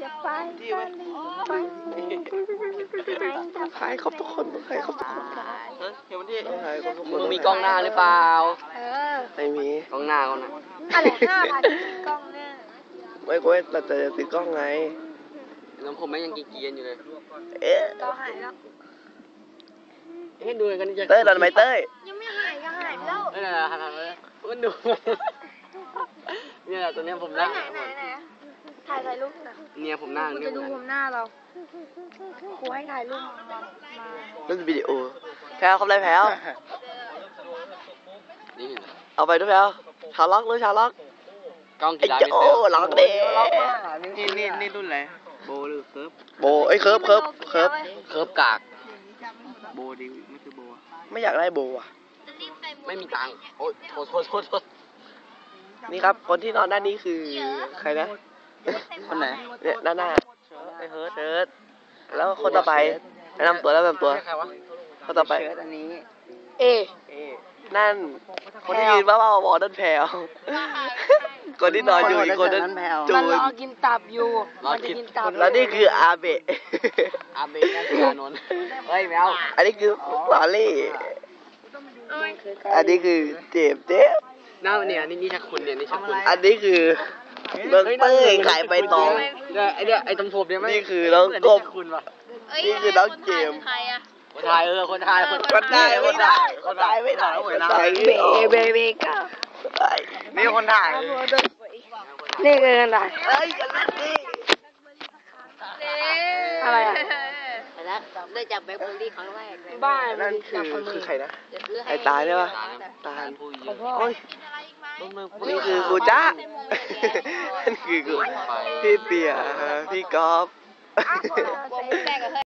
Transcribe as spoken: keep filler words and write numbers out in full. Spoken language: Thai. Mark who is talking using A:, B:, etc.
A: จะไปตะลิงไป
B: ขายครบทุกคนขายครบทุกคน
C: เฮ้ยเดี๋ยวมันที่
B: ขายครบทุกคน
C: มึงมีกล้องหน้าหรือเปล่า
A: เออ
B: ไม่มี
C: กล้องหน้ากล้องหน้า
A: อะไรห้าพันกล้องหน้า
B: ไม่กูเราจะซื้อกล้องไง
C: แล้วผมไม่ยังกีเกียนอยู่เลย
B: เอ๊ะ
A: ก็หายแล้ว
C: เอ๊ะดูกันจะ
B: เต้ยดันไหมเต้ย
A: ยังไม่หายก็หายแล้ว
C: เอ้ยนั่นแหละหันหันเลยมันดูเนี่ยแหละตัวเนี้ยผม
A: ไหน
C: นั่ง
A: ไหนไหนไหนถ่ายถ่ายรูปหน่อย
C: เนี่ยผมนั่ง
A: กู
C: เนี่
A: จะ
C: ย
A: ดูผมหน้าเราครูให้ถ่ายรูปมา
B: นั่นวิดีโอแพลวเขาไรแพลว
C: นี่
B: เอาไปด้วยแพลวชาล็อกหรือชาล็อก
C: กล้อง
B: ไอ้
C: กีฬา
B: เจ้าโอ้ล็อกเด้
C: นี่นี่นี่รุ่นอะไรโบหรือเคิร์ฟ
B: โบไอ้ยเคิร์ฟเคิร์ฟเคิร์ฟ
C: เคิร์ฟกากโบดีไม่คือโบ
B: ไม่อยากได้โบอ่ะ
C: ไม่มีตังค์โอ๊ยโทษโทษโทษโทษ
B: นี่ครับคนที่นอนด้านนี้คือใครนะ
C: คนไหน
B: เนี่ยด้านหน้าไอ้เฮิร์ทเฮิร์ทแล้วคนต่อไปแนะนำตัวแล้วแนะนำตัว
C: ใครวะ
B: คนต่อไป
C: เชิดอันนี้
A: เอ
B: นั่นคนที่ยืนบ้าบ้าบอๆนั่นแพลวคนที่นอนอยู่อีกคนนั้นจู
A: มัน
B: น
A: รอกินตับอยู่มันจะกินตับ
B: แล้วนี่คืออาเบะ
C: อาเบะนั่นคืออานนท์เฮ้ยแมว
B: อันนี้คือลอรี่อันนี้คือเจ็บเจ็บ
C: น้าเนี่ยนี่นี่ชักคุณเนี่ยนี่ชักคุณ
B: อันนี้คือเบิร์เตอร์ขายใบตอง
C: เนี่ยไอเนี่ยไอตรงผมเนี่ยไม่
B: นี่คือน้องกบ
C: คุณวะ
B: นี่คือน้องเจมส์
C: คนไทยเออคนไทยคน
B: คนไทยไม่ได้คนไทยไม่ได้คนไทยไม่ได้
A: เบเบก็
C: นี่คนไทย
A: นี่คืออะไร
B: เฮ้ยกันนั่นดิ
A: อะไรอ่ะ
D: แล้วได้จากแบล็คเบอร์รี่ครั้งแรกเลย
A: บ้า
B: นั่นคือคือใครนะ
D: จะซื้อให้
B: ไอ้ตายใช่ปะตาย
C: ผู้หญิง
B: โอ้ยนี่คือกูจ้านั่นคือกูพี่เปียพี่กอล์ฟ
D: แรกกับ